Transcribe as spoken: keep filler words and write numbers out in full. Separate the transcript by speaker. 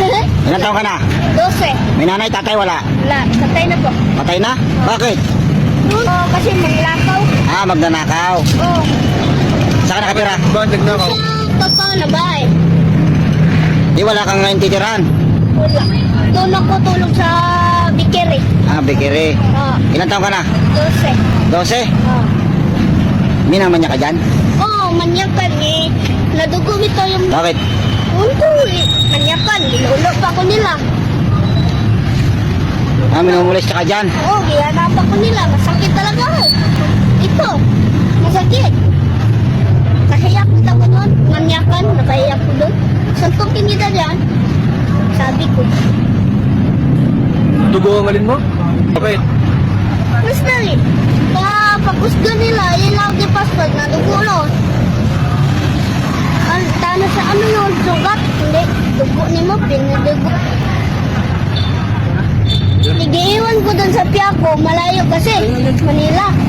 Speaker 1: Ilan taon ka na?
Speaker 2: Dose.
Speaker 1: May nanay, tatay, wala?
Speaker 2: Wala, patay na po.
Speaker 1: Patay na? Bakit?
Speaker 2: Oo, kasi maglakaw.
Speaker 1: Ah, magnanakaw.
Speaker 2: Oo.
Speaker 1: Saan ka nakatira?
Speaker 3: Bakit nagnakaw?
Speaker 2: Sa totoo na ba eh?
Speaker 1: Di wala kang ngayon titiran.
Speaker 2: Wala. Tulog ko tulog sa bikiri.
Speaker 1: Ah, bikiri.
Speaker 2: Oo.
Speaker 1: Ilan taon ka na?
Speaker 2: Dose.
Speaker 1: Dose?
Speaker 2: Oo.
Speaker 1: Minaman niya ka dyan?
Speaker 2: Oo, manyakan eh. Nadugo ito yung...
Speaker 1: Bakit?
Speaker 2: Undo eh. Manyakan. Nilulo pa ko nila.
Speaker 1: Ah, minumulis ka dyan?
Speaker 2: Oo, gihanap ako nila. Masakit talaga eh. Ito. Masakit. Nakahiyak kita ko doon. Manyakan. Nakahiyak ko doon. Suntukin kita dyan. Sabi ko.
Speaker 3: Dugo ang alin mo? Bakit?
Speaker 2: Mas dali. Kaya pagkusga nila, yun lang di passport na dugo no. Ang tano sa ano yun, sugat. Hindi, dugo ni mo, pinadugo. Nagiiwan ko dun sa Piaco, malayo kasi, Manila.